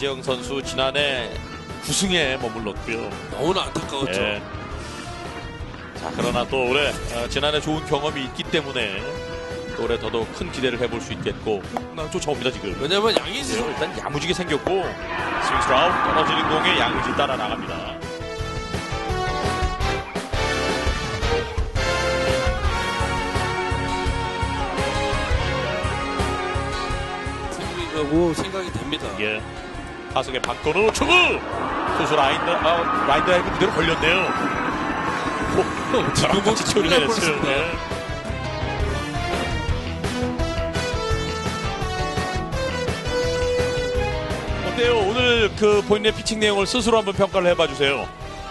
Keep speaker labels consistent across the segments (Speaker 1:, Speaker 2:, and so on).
Speaker 1: 서재영 선수 지난해 9승에 머물렀고요.
Speaker 2: 너무나 안타까웠죠.
Speaker 1: 예. 자, 그러나 또 올해 지난해 좋은 경험이 있기 때문에 또 올해 더더욱 큰 기대를 해볼 수 있겠고 쫓아옵니다 지금.
Speaker 2: 왜냐면 양의지
Speaker 1: 일단 야무지게 생겼고 스윙 스트라우크 떨어지는 공에 양의지 따라 나갑니다.
Speaker 2: 승부인가고 생각이 됩니다.
Speaker 1: 예. 타석의 박건우 초구 투수 라인 드라이브 그대로 걸렸네요.
Speaker 2: 지금
Speaker 1: 같이 처리를 했어요.
Speaker 2: 뻔했습니다.
Speaker 1: 네. 어때요? 오늘 그 본인의 피칭 내용을 스스로 한번 평가를 해봐 주세요.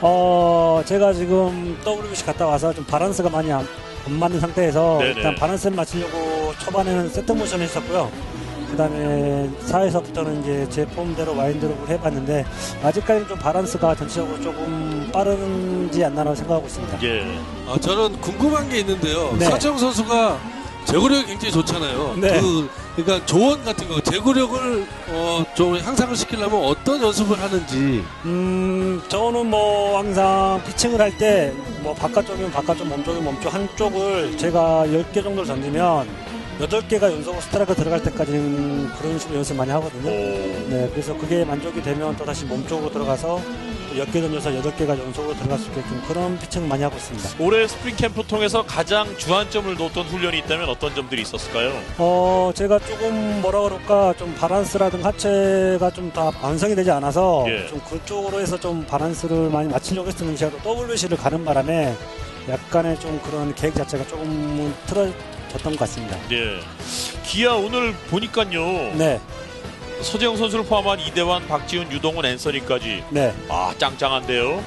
Speaker 3: 제가 지금 WBC 갔다 와서 좀 바란스가 많이 안 맞는 상태에서
Speaker 1: 네네.
Speaker 3: 일단 바란스를 맞추려고 초반에는 세트 모션을 했었고요. 그 다음에 4에서부터는 이제 제 폼대로 와인드롭을 해봤는데 아직까지는 좀 바란스가 전체적으로 조금 빠른지 않나라고 생각하고 있습니다.
Speaker 1: 예.
Speaker 2: 저는 궁금한 게 있는데요.
Speaker 3: 네.
Speaker 2: 서재영 선수가 제구력이 굉장히 좋잖아요.
Speaker 3: 네.
Speaker 2: 그러니까 조언 같은 거, 제구력을 좀 향상을 시키려면 어떤 연습을 하는지.
Speaker 3: 저는 뭐 항상 피칭을 할 때 뭐 바깥쪽이면 바깥쪽, 몸쪽이면 몸쪽 한쪽을 제가 10개 정도를 던지면 8개가 연속으로 스트라이크 들어갈 때까지는 그런 식으로 연습 많이 하거든요. 네, 그래서 그게 만족이 되면 또 다시 몸쪽으로 들어가서 또 10개 던져서 8개가 연속으로 들어갈 수 있게끔 그런 피칭을 많이 하고 있습니다.
Speaker 1: 올해 스프링 캠프 통해서 가장 주안점을 놓았던 훈련이 있다면 어떤 점들이 있었을까요?
Speaker 3: 제가 조금 뭐라 그럴까 좀 바란스라든가 하체가 좀 다 완성이 되지 않아서
Speaker 1: 예.
Speaker 3: 좀 그쪽으로 해서 좀 바란스를 많이 맞추려고 했었는데 제가 또 WBC를 가는 바람에 약간의 좀 그런 계획 자체가 조금은 틀어졌던 것 같습니다.
Speaker 1: 예. 기아 오늘 보니까요.
Speaker 3: 네,
Speaker 1: 서재영 선수를 포함한 이대환, 박지훈, 유동훈, 앤서니까지
Speaker 3: 네.
Speaker 1: 짱짱한데요.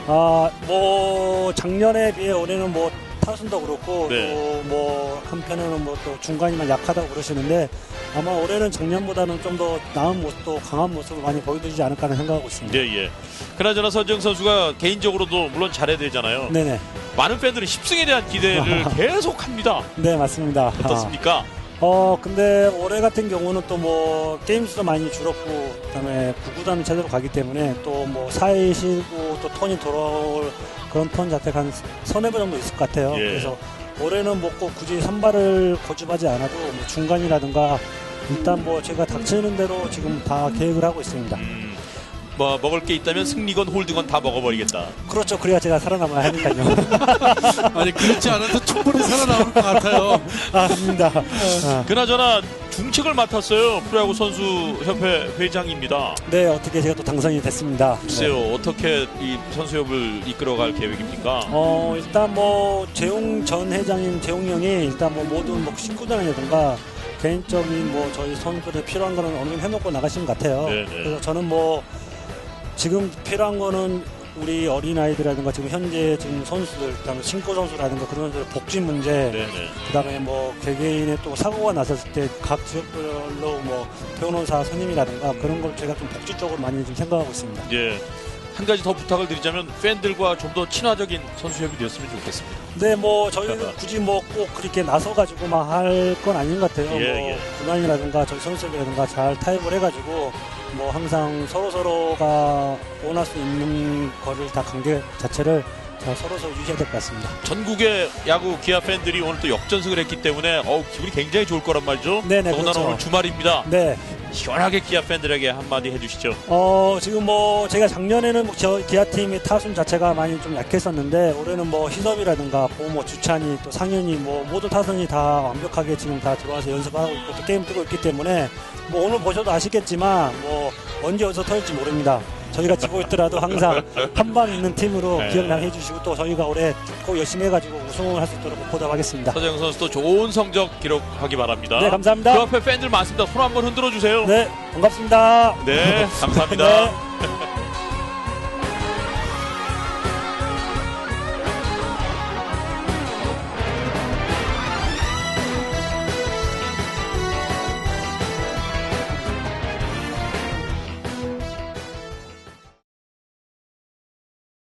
Speaker 3: 뭐 작년에 비해 올해는 뭐 타순도 그렇고
Speaker 1: 네.
Speaker 3: 또 뭐 한편에는 뭐 또 중간이만 약하다고 그러시는데 아마 올해는 작년보다는 좀 더 나은 모습, 또 강한 모습을 많이 보여주지 않을까 하는 생각하고 있습니다.
Speaker 1: 예, 예. 그나저나 서재영 선수가 개인적으로도 물론 잘해야 되잖아요.
Speaker 3: 네네.
Speaker 1: 많은 팬들은 10승에 대한 기대를 계속합니다.
Speaker 3: 네, 맞습니다.
Speaker 1: 어떻습니까?
Speaker 3: 근데 올해 같은 경우는 또 뭐 게임 수도 많이 줄었고 그다음에 구구단 체제로 가기 때문에 또 뭐 4회 쉬고 또 톤이 돌아올 그런 톤 자체가 한 서너 번 정도 있을 것 같아요.
Speaker 1: 예.
Speaker 3: 그래서 올해는 뭐 꼭 굳이 선발을 고집하지 않아도 뭐 중간이라든가 일단 뭐 제가 닥치는 대로 지금 다 계획을 하고 있습니다.
Speaker 1: 뭐 먹을 게 있다면 승리건 홀드건 다 먹어버리겠다.
Speaker 3: 그렇죠. 그래야 제가 살아남아야 하니까요.
Speaker 2: 아니, 그렇지 않아도 충분히 살아남을 것 같아요.
Speaker 3: 아닙니다.
Speaker 1: 그나저나 중책을 맡았어요. 프로야구 선수협회 회장입니다.
Speaker 3: 네, 어떻게 제가 또 당선이 됐습니다.
Speaker 1: 글쎄요, 어떻게 이 선수협을 이끌어갈 계획입니까?
Speaker 3: 일단 뭐 재용 전 회장인 재용이 형이 일단 뭐 모든 뭐 식구단이라든가 개인적인 뭐 저희 선수들에 필요한 거는 어느 정도 해놓고 나가신 것 같아요.
Speaker 1: 네네.
Speaker 3: 그래서 저는 뭐 지금 필요한 거는 우리 어린아이들이라든가 지금 현재 지금 선수들, 그다음에 신고 선수라든가 그런 선수들 복지 문제,
Speaker 1: 네네.
Speaker 3: 그다음에 뭐 개개인의 또 사고가 났었을 때 각 지역별로 뭐 변호사 선임이라든가 그런 걸 제가 좀 복지 쪽으로 많이 좀 생각하고 있습니다.
Speaker 1: 예. 한 가지 더 부탁을 드리자면 팬들과 좀 더 친화적인 선수협이 되었으면 좋겠습니다.
Speaker 3: 네, 뭐 저희는 굳이 뭐 꼭 그렇게 나서 가지고 막 할 건 아닌 것 같아요.
Speaker 1: 예,
Speaker 3: 뭐
Speaker 1: 예.
Speaker 3: 군안이라든가 저희 선수들이라든가 잘 타협을 해가지고 뭐 항상 서로가 원할 수 있는 거를 다 관계 자체를 다 서로 유지해야 될 것 같습니다.
Speaker 1: 전국의 야구 기아 팬들이 오늘 또 역전승을 했기 때문에 기분이 굉장히 좋을 거란 말이죠.
Speaker 3: 네네,
Speaker 1: 더군다나
Speaker 3: 그렇죠.
Speaker 1: 오늘 주말입니다.
Speaker 3: 네.
Speaker 1: 시원하게 기아 팬들에게 한마디 해주시죠.
Speaker 3: 지금 뭐 제가 작년에는 뭐 저 기아팀의 타순 자체가 많이 좀 약했었는데 올해는 뭐 희섭이라든가 뭐 주찬이 또 상현이 뭐 모든 타선이 다 완벽하게 지금 다 들어와서 연습하고 있고 또 게임 뛰고 있기 때문에 뭐 오늘 보셔도 아시겠지만 뭐 언제 어디서 터질지 모릅니다. 저희가 지고 있더라도 항상 한방 있는 팀으로
Speaker 1: 네.
Speaker 3: 기억나게 해주시고 또 저희가 올해 꼭 열심히 해가지고 우승을 할 수 있도록 보답하겠습니다.
Speaker 1: 서재영 선수도 좋은 성적 기록하기 바랍니다.
Speaker 3: 네, 감사합니다.
Speaker 1: 그 앞에 팬들 많습니다. 손 한번 흔들어 주세요.
Speaker 3: 네, 반갑습니다.
Speaker 1: 네, 감사합니다.
Speaker 3: 네.